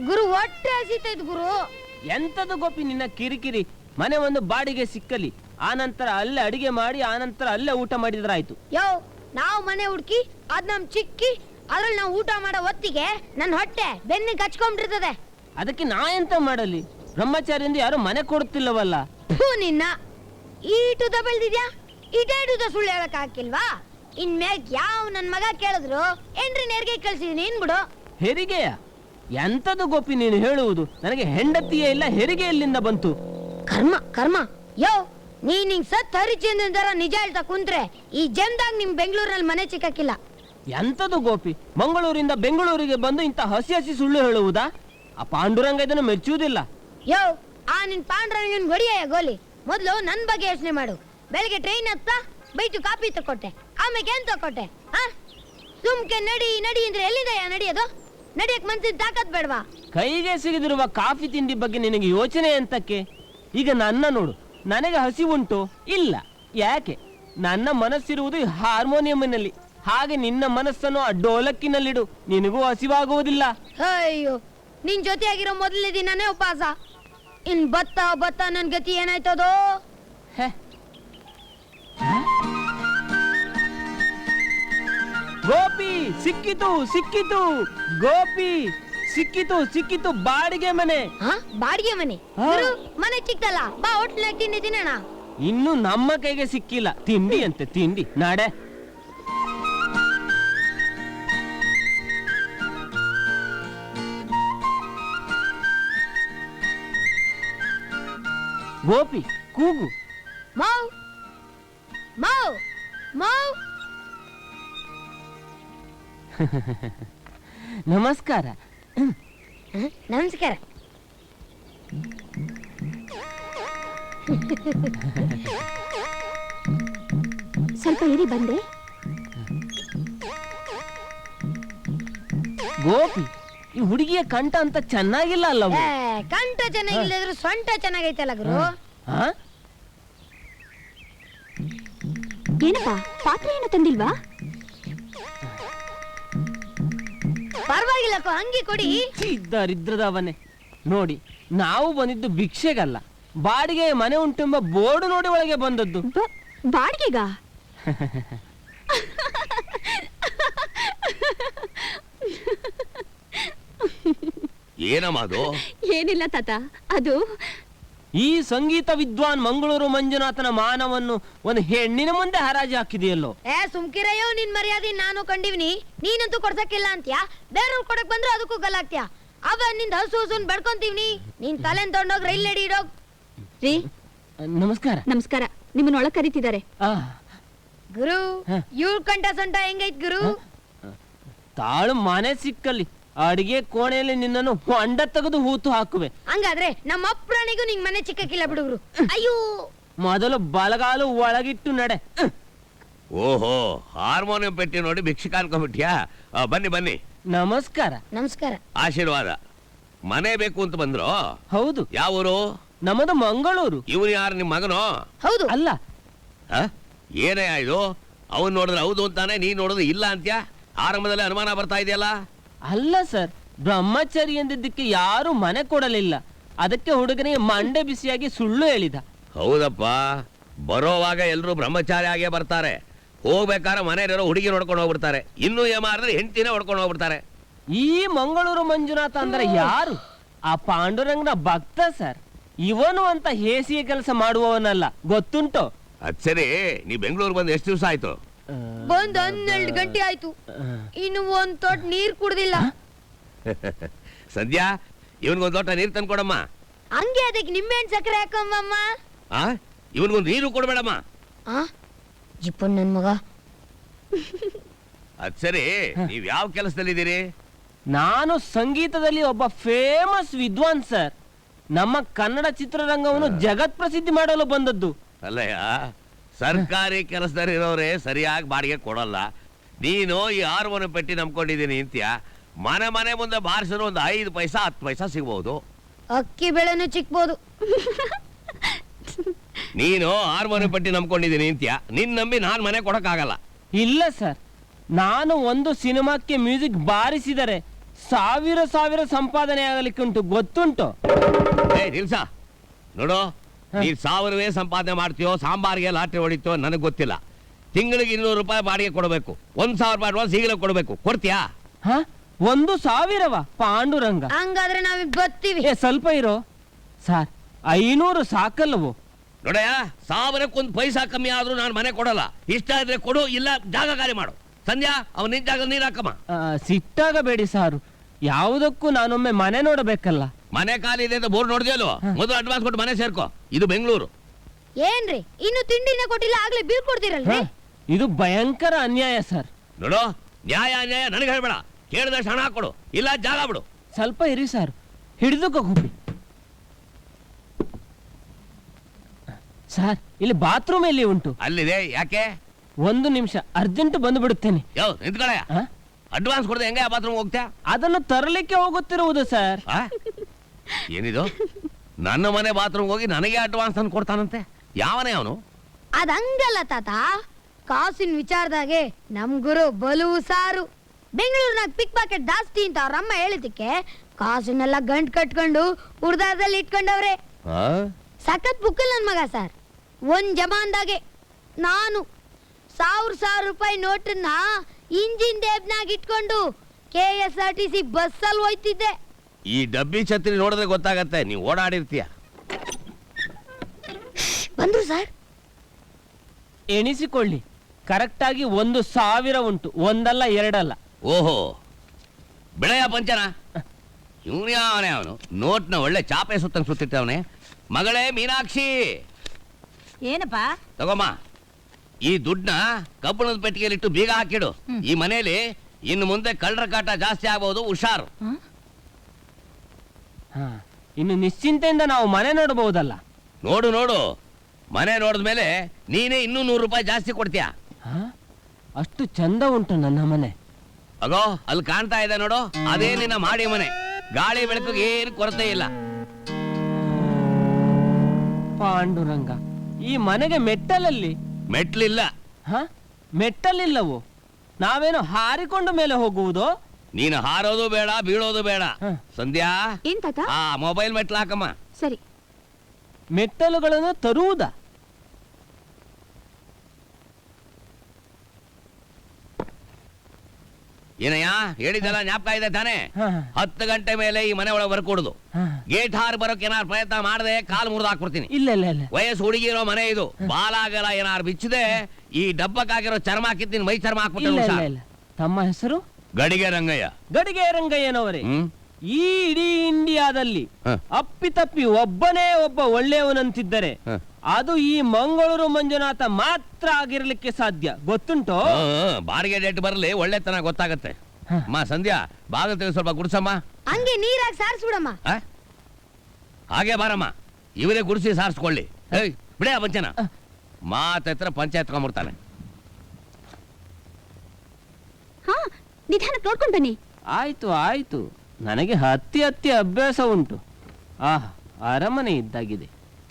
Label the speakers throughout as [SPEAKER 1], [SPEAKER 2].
[SPEAKER 1] ಗುರು ಹೊಟ್ಟೆ ಹಸಿತೈತ್ ಗುರು.
[SPEAKER 2] ಎಂತದು ಗೋಪಿ ನಿನ್ನ ಕಿರಿಕಿರಿ? ಮನೆ ಒಂದು ಬಾಡಿಗೆ ಸಿಕ್ಕಲಿ, ಆನಂತರ ಅಲ್ಲೇ ಅಡಿಗೆ ಮಾಡಿ ಆನಂತರ ಅಲ್ಲೇ ಊಟ ಮಾಡಿದ್ರಾಯ್ತು.
[SPEAKER 1] ಯೋ, ನಾವು ಮನೆ ಹುಡ್ಕಿ ಅದ್ ನಮ್ ಚಿಕ್ಕಿ ಅದ್ರಲ್ಲಿ ನಾವು ಊಟ ಮಾಡೋ ಹೊತ್ತಿಗೆ ನನ್ನ ಹೊಟ್ಟೆ ಬೆನ್ನಿಗೆ ಹಚ್ಕೊಂಡಿರ್ತದೆ.
[SPEAKER 2] ಅದಕ್ಕೆ ನಾ ಎಂತ ಮಾಡಲಿ? ಬ್ರಹ್ಮಚಾರಿಯಿಂದ ಯಾರು ಮನೆ ಕೊಡುತ್ತಿಲ್ಲವಲ್ಲ.
[SPEAKER 1] ನಿನ್ನ ಈಟುದ ಬೆಳ್ದಿದ್ಯಾ, ಇಟೇಟುದ ಸುಳ್ಳು ಹೇಳಕ್ ಹಾಕಿಲ್ವಾ? ಇನ್ಮ್ಯಾಗ ಯಾವ ನನ್ ಮಗ ಕೇಳಿದ್ರು ಏನ್ರಿ ನೇರ್ಗೆ ಕಳ್ಸಿದೀನಿ ಏನ್ಬಿಡು.
[SPEAKER 2] ಹೆರಿಗೆಯ? ಎಂತದು ಗೋಪಿ ನೀನು ಹೇಳುವುದು? ನನಗೆ ಹೆಂಡತಿಯೇ ಇಲ್ಲ, ಹೆರಿಗೆ ಎಲ್ಲಿಂದ ಬಂತು?
[SPEAKER 1] ಕರ್ಮ ಕರ್ಮ. ಯೋ, ನೀನ್ ಹಿಂಗ್ ಸತ್ ಹರಿಚಂದ್ರನ್ ತರ ನಿಜ ಹೇಳ್ತಾ ಕುಂತ್ರೆ ಈ ಜನ್ದಾಗ ನಿಮ್ ಬೆಂಗಳೂರಲ್ಲಿ ಮನೆ ಸಿಕ್ಕಾಕಿಲ್ಲ.
[SPEAKER 2] ಎಂತದು ಗೋಪಿ, ಮಂಗಳೂರಿಂದ ಬೆಂಗಳೂರಿಗೆ ಬಂದು ಇಂತ ಹಸಿ ಹಸಿ ಸುಳ್ಳು ಹೇಳುವುದಾ? ಆ ಪಾಂಡುರಂಗ ಇದನ್ನು ಮೆಚ್ಚುವುದಿಲ್ಲ.
[SPEAKER 1] ಯೋ, ಆ ನಿನ್ ಪಾಂಡುರಂಗನ್ ಗೊಡಿಯ ಗೋಲಿ. ಮೊದ್ಲು ನನ್ ಬಗ್ಗೆ ಯೋಚನೆ ಮಾಡು. ಬೆಳಿಗ್ಗೆ ಟ್ರೈನ್ ಹತ್ತ ಬೈತು ಕಾಪಿ ತಕೊಟ್ಟೆ, ಆಮೇಲೆ ಏನ್ ತಕೊಟ್ಟೆ? ಸುಮ್ಕೆ ನಡಿ ನಡಿ ಅಂದ್ರೆ ಎಲ್ಲಿದೆಯಾ ನಡೆಯೋದು? ನಡಿಯಕ್ ಮನ್ಸಿನ ತಾಕತ್ ಬೇಡವಾ?
[SPEAKER 2] ಕೈಗೆ ಸಿಗದಿರುವ ಕಾಫಿ ತಿಂಡಿ ಬಗ್ಗೆ ನಿನಗೆ ಯೋಚನೆ ಎಂತಕ್ಕೆ? ಈಗ ನನ್ನ ನೋಡು, ನನಗೆ ಹಸಿ ಉಂಟು ಇಲ್ಲ. ಯಾಕೆ? ನನ್ನ ಮನಸ್ಸಿರುವುದು ಹಾರ್ಮೋನಿಯಂನಲ್ಲಿ, ಹಾಗೆ ನಿನ್ನ ಮನಸ್ಸನ್ನು ಆ ಡೋಲಕ್ಕಿನಲ್ಲಿಡು, ನಿನಗೂ ಹಸಿವಾಗುವುದಿಲ್ಲ.
[SPEAKER 1] ಅಯ್ಯೋ, ನಿನ್ ಜೊತೆಯಾಗಿರೋ ಮೊದಲನೇ ದಿನನೇ ಉಪವಾಸ. ಇನ್ ಬತ್ತ ಬತ್ತ ನನ್ ಗತಿ ಏನಾಯ್ತದೋ?
[SPEAKER 2] ಗೋಪಿ ಸಿಕ್ಕಿತು ಸಿಕ್ಕಿತು, ಗೋಪಿ ಸಿಕ್ಕಿತು ಸಿಕ್ಕಿತು, ಬಾಡಿಗೆ ಮನೆ.
[SPEAKER 1] ಬಾಡಿಗೆ ಮನೆ? ಮನೆ ಚಿಕ್ಕದಲ್ಲ, ಬಾ ಹೋಟ್ಲಾಗ ತಿಂಡಿ ತಿನ್ನೋಣ.
[SPEAKER 2] ಇನ್ನು ನಮ್ಮ ಕೈಗೆ ಸಿಕ್ಕಿಲ್ಲ ತಿಂಡಿ ಅಂತೆ ತಿಂಡಿ. ನಾಡೆ ಗೋಪಿ ಕೂಗು.
[SPEAKER 1] ಮಾವ್ ಮಾವ್ ಮಾವ್.
[SPEAKER 2] ನಮಸ್ಕಾರ.
[SPEAKER 1] ನಮಸ್ಕಾರ.
[SPEAKER 3] ಸ್ವಲ್ಪ ಇರಿ ಬಂದೆ.
[SPEAKER 2] ಗೋಪಿ, ಈ ಹುಡುಗಿಯ ಕಂಠ ಅಂತ ಚೆನ್ನಾಗಿಲ್ಲ ಅಲ್ಲವ?
[SPEAKER 1] ಕಂಠ ಚೆನ್ನಾಗಿಲ್ಲದ್ರು ಸೊಂಟ ಚೆನ್ನಾಗೈತಲ್ಲ ಗುರು.
[SPEAKER 3] ಏನಪ್ಪಾ, ಪಾತ್ರೆ ಏನು ತಂದಿಲ್ವಾ?
[SPEAKER 1] ಪರವಾಗಿಲ್ಲ, ಹಂಗೆ ಕೊಡಿ.
[SPEAKER 2] ಇದ್ದರಿದ್ರದವನೇ ನೋಡಿ, ನಾವು ಬಂದಿದ್ದು ಭಿಕ್ಷೆಗಲ್ಲ, ಬಾಡಿಗೆ ಮನೆ ಉಂಟೆಂಬ ಬೋರ್ಡು ನೋಡಿ ಒಳಗೆ ಬಂದದ್ದು.
[SPEAKER 3] ಬಾಡಿಗೆಗ?
[SPEAKER 4] ಏನಮ್ಮ ಅದು?
[SPEAKER 3] ಏನಿಲ್ಲ ತಾತ, ಅದು
[SPEAKER 2] ಈ ಸಂಗೀತ ವಿದ್ವಾನ್ ಮಂಗಳೂರು ಮಂಜುನಾಥನ ಮಾನವನ್ನು ಒಂದು ಹೆಣ್ಣಿನ ಮುಂದೆ ಹರಾಜು ಹಾಕಿದೆಯಲ್ಲೋ.
[SPEAKER 1] ಸುಮ್ಕಿರಯ್ಯೋ, ನಿನ್ ಮರ್ಯಾದೆ ನಾನು ಕಂಡಿವ್ನಿ. ನೀನಂತೂ ಕೊಡ್ಸಕ್ಕಿಲ್ಲ ಅಂತ್ಯಾ, ಬೇರೆಯವ್ರು ಕೊಡಕ್ ಬಂದ್ರೆ ಅದಕ್ಕೂ ಗಲಾಗ್ತ್ಯಾ. ಅವ ನಿಂದ ಹಸು ಹಸುನ್ ಬಡ್ಕೊಂತೀವ್ನಿ. ನೀನ್ ತಲೆನ್ ತಗೊಂಡೋಗ್ ರೈಲ್ ನಡಿ ಇಡೋಗ್.
[SPEAKER 3] ರೀ,
[SPEAKER 2] ನಮಸ್ಕಾರ.
[SPEAKER 3] ನಮಸ್ಕಾರ. ನಿಮ್ಮನ್ನ ಒಳಗ್ ಕರೀತಿದ್ದಾರೆ.
[SPEAKER 1] ಗುರು, ಇವ್ರ ಕಂಠ ಸೊಂಟ ಹೆಂಗೈತ್ ಗುರು?
[SPEAKER 2] ತಾಳು ಮನೆ ಸಿಕ್ಕಲ್ಲಿ ಅಡಿಗೆ ಕೋಣೆಯಲ್ಲಿ ನಿನ್ನನ್ನು ಹೊಂಡ ತೆಗೆದು ಹೂತು ಹಾಕುವೆ.
[SPEAKER 1] ಹಂಗಾದ್ರೆ ನಮ್ಮ ಅಪ್ರಾಣಿಗೂ ನಿಂಗ್ ಮನೆ ಚಿಕ್ಕಕ್ಕಿಲ್ಲ ಬಿಡುಗ್ರು. ಅಯ್ಯೋ,
[SPEAKER 2] ಮೊದಲು ಬಲಗಾಲು ಒಳಗಿಟ್ಟು ನಡೆ.
[SPEAKER 4] ಓಹೋ, ಹಾರ್ಮೋನಿಯಂ ಪೆಟ್ಟಿ ನೋಡಿ ಭಿಕ್ಷೆ ಕಾಣ್ಕೊಂಡ್ಬಿಟ್ಯಾ? ಬನ್ನಿ ಬನ್ನಿ.
[SPEAKER 2] ನಮಸ್ಕಾರ.
[SPEAKER 1] ನಮಸ್ಕಾರ.
[SPEAKER 4] ಆಶೀರ್ವಾದ. ಮನೆ ಬೇಕು ಅಂತ ಬಂದ್ರು?
[SPEAKER 2] ಹೌದು.
[SPEAKER 4] ಯಾವ ಊರು?
[SPEAKER 2] ನಮ್ಮದು ಮಂಗಳೂರು.
[SPEAKER 4] ಇವನು ಯಾರು, ನಿಮ್ ಮಗನೋ?
[SPEAKER 1] ಹೌದು.
[SPEAKER 2] ಅಲ್ಲ.
[SPEAKER 4] ಏನೇ ಇದು? ಅವನ್ ನೋಡಿದ್ರೆ ಹೌದು ಅಂತಾನೆ, ನೀನ್ ನೋಡಿದ್ರೆ ಇಲ್ಲ ಅಂತ್ಯಾ? ಆರಂಭದಲ್ಲಿ ಅನುಮಾನ ಬರ್ತಾ ಇದೆಯಲ್ಲ?
[SPEAKER 2] ಅಲ್ಲ ಸರ್, ಬ್ರಹ್ಮಚಾರಿ ಎಂದಿದ್ದಕ್ಕೆ ಯಾರು ಮನೆ ಕೊಡಲಿಲ್ಲ, ಅದಕ್ಕೆ ಹುಡುಗನಿಗೆ ಮಂಡೆ ಬಿಸಿಯಾಗಿ ಸುಳ್ಳು ಹೇಳಿದ.
[SPEAKER 4] ಹೌದಪ್ಪ, ಬರೋವಾಗ ಎಲ್ರು ಬ್ರಹ್ಮಚಾರಿ ಆಗೇ ಬರ್ತಾರೆ, ಹೋಗ್ಬೇಕಾದ್ರೆ ಮನೆಯಲ್ಲಿರೋ ಹುಡುಗಿ ನೋಡ್ಕೊಂಡು ಹೋಗ್ಬಿಡ್ತಾರೆ, ಇನ್ನು ಏಮಾರಿದ್ರೆ ಹೆಂಡತಿನೇ ಹೊಡ್ಕೊಂಡು ಹೋಗ್ಬಿಡ್ತಾರೆ.
[SPEAKER 2] ಈ ಮಂಗಳೂರು ಮಂಜುನಾಥ ಅಂದ್ರೆ ಯಾರು? ಆ ಪಾಂಡುರಂಗನ ಭಕ್ತ ಸರ್. ಇವನು ಅಂತ ಹೇಸಿಗೆ ಕೆಲಸ ಮಾಡುವವನಲ್ಲ, ಗೊತ್ತುಂಟು?
[SPEAKER 4] ಅದ್ ಸರಿ, ನೀ ಬೆಂಗಳೂರು ಬಂದು ಎಷ್ಟು ದಿವಸ ಆಯ್ತು?
[SPEAKER 1] ಬಂದ್ 12 ಗಂಟೆ ಆಯ್ತು, ಇನ್ನು ಒಂದ್ ತೊಟ್ ನೀರ್ ಕುಡ್ದಿಲ್ಲ.
[SPEAKER 4] ಸಂಧ್ಯಾ, ಇವನ್ಗೊಂದ್ ಲೋಟ ನೀರ್ ತಂದ್ಕೊಡಮ್ಮ.
[SPEAKER 1] ಹಂಗೆ ಅದಕ್ಕೆ ನಿಂಬೆಹಣ್ಣು ಸಕ್ಕರೆ ಹಾಕಮ್ಮ.
[SPEAKER 4] ಇವನ್ಗೊಂದ್ ನೀರು ಕೊಡ್ಬೇಡಮ್ಮ.
[SPEAKER 1] ಜಿಪ್ಪಣ್ಣ ನನ್ ಮಗ.
[SPEAKER 4] ಅದ್ ಸರಿ, ನೀವ್ ಯಾವ ಕೆಲಸದಲ್ಲಿದ್ದೀರಿ?
[SPEAKER 2] ನಾನು ಸಂಗೀತದಲ್ಲಿ ಒಬ್ಬ ಫೇಮಸ್ ವಿದ್ವಾನ್ ಸರ್. ನಮ್ಮ ಕನ್ನಡ ಚಿತ್ರರಂಗವನ್ನು ಜಗತ್ ಪ್ರಸಿದ್ಧಿ ಮಾಡಲು ಬಂದದ್ದು.
[SPEAKER 4] ಅಲ್ಲಯ್ಯ, ಸರ್ಕಾರಿ ಕೆಲಸದಲ್ಲಿರೋರೇ ಸರಿಯಾಗಿ ಬಾಡಿಗೆ ಕೊಡಲ್ಲ. ನೀನು ಈ ಹಾರ್ಮೋನಿಯಂ ಪೆಟ್ಟಿ ನಂಬ್ಕೊಂಡಿದ್ದೀನಿ ಅಂತ್ಯ. ಮನೆ ಮನೆ ಮುಂದೆ ಬಾರಿಸಿದ್ರು ಒಂದು 5 ಪೈಸಾ 10 ಪೈಸಾ ಸಿಗ್ಬಹುದು.
[SPEAKER 1] ಅಕ್ಕಿ ಬೆಳೆನೂ ಚಿಕ್ಬೋದು.
[SPEAKER 4] ನೀನು ಹಾರ್ಮೋನಿಯಂ ಪೆಟ್ಟಿ ನಂಬ್ಕೊಂಡಿದ್ದೀನಿ ಅಂತ್ಯ. ನಿನ್ ನಂಬಿ ನಾನ್ ಮನೆ ಕೊಡಕ್ಕಾಗಲ್ಲ.
[SPEAKER 2] ಇಲ್ಲ ಸರ್, ನಾನು ಒಂದು ಸಿನಿಮಾಕ್ಕೆ ಮ್ಯೂಸಿಕ್ ಬಾರಿಸಿದರೆ ಸಾವಿರ ಸಾವಿರ ಸಂಪಾದನೆ ಆಗಲಿಕ್ಕೆ ಉಂಟು, ಗೊತ್ತುಂಟು.
[SPEAKER 4] ಏ ನಿಲ್ಸ, ನೋಡು, ನೀನ್ 1000 ಸಂಪಾದನೆ ಮಾಡ್ತೀಯೋ, ಸಾಂಬಾರಿಗೆ ಲಾಟ್ರಿ ಹೊಡಿತೀಯೋ ನನಗೆ ಗೊತ್ತಿಲ್ಲ. ತಿಂಗಳಿಗೆ 200 ರೂಪಾಯಿ ಬಾಡಿಗೆ ಕೊಡಬೇಕು. 1000 ರೂಪಾಯಿ ಅಡ್ವಾನ್ಸ್ ಈಗಲೇ ಕೊಡಬೇಕು. ಕೊಡ್ತೀಯಾ?
[SPEAKER 2] 1,000ವ? ಪಾಂಡುರಂಗ,
[SPEAKER 1] ಹಂಗಾದ್ರೆ ನಾವೀಗ ಬರ್ತೀವಿ.
[SPEAKER 2] ಸ್ವಲ್ಪ ಇರೋ ಸಾರ್, 500 ಸಾಕಲ್ಲವೋ?
[SPEAKER 4] ನೋಡಯ್ಯ, 1000ಕ್ಕೆ ಪೈಸಾ ಕಮ್ಮಿ ಆದ್ರೂ ನಾನು ಮನೆ ಕೊಡಲ್ಲ. ಇಷ್ಟ ಇದ್ರೆ ಕೊಡು, ಇಲ್ಲ ಜಾಗ ಖಾಲಿ ಮಾಡು. ಸಂಧ್ಯಾ, ಅವನ ನಿನ್ ಜಾಗ ನೀರ್ ಹಾಕಮ್ಮ.
[SPEAKER 2] ಸಿಟ್ಟಾಗಬೇಡಿ ಸಾರು, ಯಾವುದಕ್ಕೂ ನಾನೊಮ್ಮೆ ಮನೆ ನೋಡಬೇಕಲ್ಲ.
[SPEAKER 4] ಮನೆ ಖಾಲಿ ಇದೆ ಅಂತ ಬೋರ್ಡ್ ನೋಡಿದ್ಯಲ್ಲೋ, ಮೊದಲು ಅಡ್ವಾನ್ಸ್ ಕೊಟ್ಟು ಮನೆ ಸೇರ್ಕೋ. ಇದು ಬೆಂಗಳೂರು.
[SPEAKER 1] ಏನ್ರಿ ಇನ್ನು ತಿಂಡಿನ ಕೊಟ್ಟಿಲ್ಲ, ಆಗ್ಲೇ ಬಿಲ್ ಕೊಡ್ತೀರಲ್ರಿ?
[SPEAKER 2] ಇದು ಭಯಂಕರ ಅನ್ಯಾಯ ಸರ್.
[SPEAKER 4] ನೋಡು, ನ್ಯಾಯ ಅನ್ಯಾಯ ನನಗೆ ಹೇಳ್ಬೇಡ. ಕೇಳಿದಷ್ಟು ಹಣ ಕೊಡು, ಇಲ್ಲ ಜಾಗ ಬಿಡು.
[SPEAKER 2] ಸ್ವಲ್ಪ ಇರಿ ಸರ್, ಹಿಡಿದುಕೋ ಗುಬ್ಬಿ. ಸರ್, ಇಲ್ಲಿ ಬಾತ್ರೂಮ್ ಎಲ್ಲಿ ಉಂಟು?
[SPEAKER 4] ಅಲ್ಲಿದೆ. ಯಾಕೆ?
[SPEAKER 2] 1 ನಿಮಿಷ, ಅರ್ಜೆಂಟ್ ಬಂದು ಬಿಡುತ್ತೇನೆ.
[SPEAKER 4] ನಿಂತ್ಕೊಳ. ಅಡ್ವಾನ್ಸ್ ಕೊಡದೆ ಹೆಂಗೆ ಬಾತ್ರೂಮ್ ಹೋಗ್ತ್ಯಾ?
[SPEAKER 2] ಅದನ್ನು ತರಲಿಕ್ಕೆ ಹೋಗುತ್ತಿರುವುದು ಸರ್.
[SPEAKER 4] ಏನಿದು? ನನ್ನ ಮನೆ ಬಾತ್ರೂಮ್ ಹೋಗಿ ನನಗೆ ಅಡ್ವಾನ್ಸ್ ಅನ್ನು ಕೊಡ್ತಾನಂತೆ. ಯಾವನೇ ಅವನು?
[SPEAKER 1] ಅದಂಗಲ್ಲ ತಾತ, ಕಾಸಿನ ವಿಚಾರದಾಗೆ ನಮ್ ಗುರು ಬಲು ಸಾರು. ಬೆಂಗಳೂರಿನಾಗ ಪಿಕ್ ಪಾಕೆಟ್ ಜಾಸ್ತಿ ಅಂತ ಅವ್ರಮ್ಮ ಹೇಳಿದಕ್ಕೆ ಕಾಸನ್ನೆಲ್ಲ ಗಂಟ್ ಕಟ್ಕೊಂಡು ಉರ್ದಾರದಲ್ಲಿ ಇಟ್ಕೊಂಡವ್ರೆ. ಸಖತ್ ಬುಕ್ಕಲ್ ನನ್ ಮಗ ಸರ್. ಒಂದ್ ಜಮಾನ್ದಾಗೆ ನಾನು 1000 ರೂಪಾಯಿ ನೋಟನ್ನ ಇಂಜಿನ್ ದೇಬ್ನಾಗ ಇಟ್ಕೊಂಡು KSRTC ಬಸ್ಸಲ್ಲಿ ಹೋಯ್ತಿದ್ದೆ.
[SPEAKER 4] ಈ ಡಬ್ಬಿ ಛತ್ರಿ ನೋಡಿದ್ರೆ ಗೊತ್ತಾಗತ್ತೆ ನೀವು ಓಡಾಡಿರ್ತೀಯ.
[SPEAKER 1] ಬಂದ್ರು ಸರ್.
[SPEAKER 2] ಎಣಿಸಿಕೊಳ್ಳಿ, ಕರೆಕ್ಟ್ ಆಗಿ 1,000 ಉಂಟು, ಒಂದಲ್ಲ ಎರಡಲ್ಲ.
[SPEAKER 4] ಓಹೋ, ಬೆಳೆಯ ಪಂಚನ. ಇವನೇ ಅವನು ನೋಟ್ನ ಒಳ್ಳೆ ಚಾಪೆ ಸುತ್ತಂಗ್ ಸುತ್ತಿಟ್ಟವನೆ. ಮಗಳೇ ಮೀನಾಕ್ಷಿ,
[SPEAKER 5] ಏನಪ್ಪ?
[SPEAKER 4] ತಗೊಮ್ಮ, ಈ ದುಡ್ಡನ್ನ ಕಬ್ಬಣದ ಪೆಟ್ಟಿಗೆಲಿಟ್ಟು ಬೀಗ ಹಾಕಿಡು. ಈ ಮನೇಲಿ ಇನ್ನು ಮುಂದೆ ಕಳ್ಳರ ಕಾಟ ಜಾಸ್ತಿ ಆಗಬಹುದು, ಹುಷಾರು.
[SPEAKER 2] ಇನ್ನು ನಿಶ್ಚಿಂತೆಯಿಂದ ನಾವು ಮನೆ ನೋಡಬಹುದಲ್ಲ.
[SPEAKER 4] ನೋಡು ನೋಡು, ಮನೆ ನೋಡಿದ್ಮೇಲೆ ನೀನೇ ಇನ್ನೂ 100 ರೂಪಾಯಿ ಜಾಸ್ತಿ ಕೊಡ್ತೀಯ.
[SPEAKER 2] ಅಷ್ಟು ಚಂದ ಉಂಟು ನನ್ನ ಮನೆ.
[SPEAKER 4] ಅಗೋ, ಅಲ್ಲಿ ಕಾಣ್ತಾ ಇದೆ ನೋಡು, ಅದೇ ನಿನ್ನ ಮಾಡಿ ಮನೆ. ಗಾಳಿ ಬೆಳಕಿಗೆ ಏನು ಕೊರತೆ ಇಲ್ಲ.
[SPEAKER 2] ಪಾಂಡುರಂಗ, ಈ ಮನೆಗೆ ಮೆಟ್ಟಲಲ್ಲಿ
[SPEAKER 4] ಮೆಟ್ಲಿಲ್ಲ.
[SPEAKER 2] ಮೆಟ್ಟಲಿಲ್ಲವೋ? ನಾವೇನು ಹಾರಿಕೊಂಡು ಮೇಲೆ ಹೋಗುವುದು?
[SPEAKER 4] ನೀನು ಹಾರೋದು ಬೇಡ, ಬೀಳೋದು ಬೇಡ. ಸಂಧ್ಯಾ,
[SPEAKER 3] ಏನ್ ತಾತ?
[SPEAKER 4] ಆ ಮೊಬೈಲ್ ಮೆಟ್ಲು ಹಾಕಮ್ಮ.
[SPEAKER 3] ಸರಿ.
[SPEAKER 2] ಮೆಟ್ಟಲುಗಳನ್ನು ತರುವುದ?
[SPEAKER 4] ಏನಯ್ಯ, ಹೇಳಿದಲ್ಲ ಜ್ಞಾಪಕ ಇದೆ ತಾನೆ? 10 ಗಂಟೆ ಮೇಲೆ ಈ ಮನೆ ಒಳಗೆ ಬರ್ಕೊಡುದು. ಗೇಟ್ ಹಾರಿ ಬರೋಕೆ ಏನಾರು ಪ್ರಯತ್ನ ಮಾಡದೆ ಕಾಲು ಮುರಿದು ಹಾಕ್ಬಿಡ್ತೀನಿ.
[SPEAKER 2] ಇಲ್ಲ ಇಲ್ಲ ಇಲ್ಲ,
[SPEAKER 4] ವಯಸ್ಸು ಹುಡುಗಿರೋ ಮನೆ ಇದು. ಬಾಲಾಗಲ ಏನಾರು ಬಿಚ್ಚದೆ ಈ ಡಬ್ಬಕ್ಕಾಗಿರೋ ಚರ್ಮ ಹಾಕಿದ್ದೀನಿ, ಮೈ ಚರ್ಮ
[SPEAKER 2] ಇಲ್ಲ ಇಲ್ಲ
[SPEAKER 4] ಹಾಕ್ಬಿಟ್ಟು.
[SPEAKER 2] ಇಲ್ಲ. ತಮ್ಮ ಹೆಸರು?
[SPEAKER 4] ಗಡಿಗೆ ರಂಗಯ್ಯ.
[SPEAKER 2] ಗಡಿಗೆ ರಂಗಯ್ಯನವರೇ, ಈ ಇಡೀ ಇಂಡಿಯಾದಲ್ಲಿ ಅಪ್ಪಿತಪ್ಪಿ ಒಬ್ಬನೇ ಒಬ್ಬ ಒಳ್ಳೆಯವನಂತಿದ್ದರೆ ಅದು ಈ ಮಂಗಳೂರು ಮಂಜುನಾಥ ಮಾತ್ರ ಆಗಿರ್ಲಿಕ್ಕೆ ಸಾಧ್ಯ, ಗೊತ್ತುಂಟೋ?
[SPEAKER 4] ಬಾಡಿಗೆ ಡೇಟ್ ಬರಲಿ, ಒಳ್ಳೆತನ ಗೊತ್ತಾಗತ್ತೆ. ಅಮ್ಮ ಸಂಧ್ಯಾ, ಬಾಗಿಲು ತೆಗೆದು ಸ್ವಲ್ಪ ಗುಡ್ಸಮ್ಮ.
[SPEAKER 1] ಹಂಗೆ ನೀರಾಗಿ ಸಾರಿಸ್ಬಿಡಮ್ಮ.
[SPEAKER 4] ಹಾಗೆ ಬಾರಮ್ಮ, ಇವರೇ ಗುಡಿಸಿ ಸಾರಿಸ್ಕೊಳ್ಳಿ. ಬಿಡೇ ಪಂಚನ ಮಾತ್ರ ಪಂಚಾಯತ್ ತಗೊಂಡ್ಬಿಡ್ತಾನೆ.
[SPEAKER 3] ಹಾ, ನಿಧಾನಕ್ಕೆ ನೋಡ್ಕೊಂಡು ಬನ್ನಿ.
[SPEAKER 2] ಆಯ್ತು ಆಯ್ತು, ನನಗೆ ಹತ್ತಿ ಅಭ್ಯಾಸ ಉಂಟು. ಅರಮನೆ ಇದ್ದಾಗಿದೆ.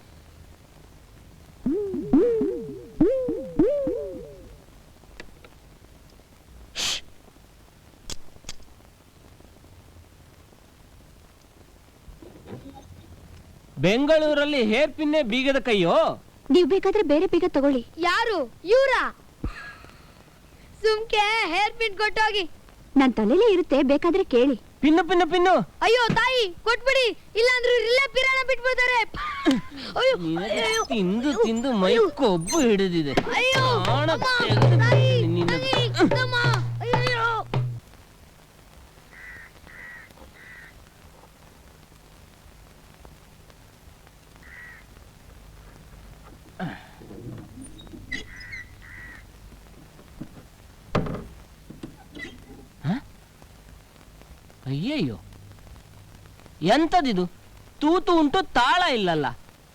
[SPEAKER 2] ಬೆಂಗಳೂರಲ್ಲಿ ಹೇರ್ ಪಿನ್ನೆ ಬೀಗದ ಕೈಯೋ?
[SPEAKER 3] ನೀವು ಬೇಕಾದ್ರೆ ಬೇರೆ ಬೀಗ ತಗೊಳ್ಳಿ.
[SPEAKER 1] ಯಾರು ಇವ್ರಾ? ಸುಮ್ಕೆ ಹೇರ್ ಪಿನ್ ಕೊಟ್ಟೋಗಿ.
[SPEAKER 3] ನನ್ ತಲೆಲೇ ಇರುತ್ತೆ, ಬೇಕಾದ್ರೆ ಕೇಳಿ.
[SPEAKER 2] Pin pin pin.
[SPEAKER 1] ಅಯ್ಯೋ ತಾಯಿ, ಕೊಟ್ಬಿಡಿ, ಇಲ್ಲಾಂದ್ರೂ ಇಲ್ಲೇ ಪಿರಾಣ ಬಿಟ್ಬಿಡ್ತಾರೆ.
[SPEAKER 2] ತಿಂದು ತಿಂದು ಮೈ ಕೊಬ್ಬು ಹಿಡಿದಿದೆ.
[SPEAKER 1] ಅಯ್ಯೋ
[SPEAKER 2] ಪ್ರಾಣ
[SPEAKER 1] ಅಮ್ಮ,
[SPEAKER 2] ತೆಗೆದು
[SPEAKER 1] ತಾಯಿ,
[SPEAKER 2] ನಿನ್ನ-
[SPEAKER 1] ತಾಯಿ, ಅಮ್ಮ, ಅಯ್ಯಯ್ಯೋ.
[SPEAKER 2] ಅಯ್ಯಯ್ಯೋ, ಎಂತದಿದು? ತೂತು ಉಂಟು, ತಾಳ ಇಲ್ಲಲ್ಲ.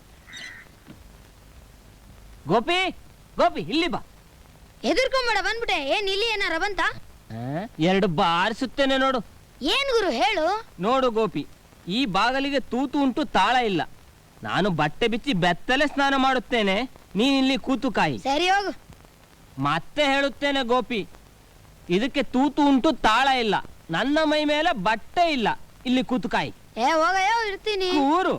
[SPEAKER 2] ಗೋಪಿ, ಗೋಪಿ, ಇಲ್ಲಿ ಬಾ.
[SPEAKER 1] ಎದುರ್ಕೊಂಬೇಡ, ಬಂದ್ಬಿಟ್ಟೆ. ಏನ್ ಇಲ್ಲಿ ಏನಾರ ಬಂತ?
[SPEAKER 2] 2 ಬಾರಿಸುತ್ತೇನೆ ನೋಡು.
[SPEAKER 1] ಏನ್ ಗುರು ಹೇಳು?
[SPEAKER 2] ನೋಡು ಗೋಪಿ, ಈ ಬಾಗಲಿಗೆ ತೂತು ಉಂಟು, ತಾಳ ಇಲ್ಲ. ನಾನು ಬಟ್ಟೆ ಬಿಚ್ಚಿ ಬೆತ್ತಲೆ ಸ್ನಾನ ಮಾಡುತ್ತೇನೆ, ನೀನಿಲ್ಲಿ ಕೂತು ಕಾಯಿ.
[SPEAKER 1] ಸರಿ ಹೋಗು.
[SPEAKER 2] ಮತ್ತೆ ಹೇಳುತ್ತೇನೆ ಗೋಪಿ, ಇದಕ್ಕೆ ತೂತು ಉಂಟು, ತಾಳ ಇಲ್ಲ. ನನ್ನ ಮೈ ಮೇಲೆ ಬಟ್ಟೆ ಇಲ್ಲ, ಇಲ್ಲಿ ಕೂತ್ಕಾಯಿ.
[SPEAKER 1] ಏ ಹೋಗಯ್ಯೋ, ಇರ್ತೀನಿ.
[SPEAKER 2] ಕೂರು.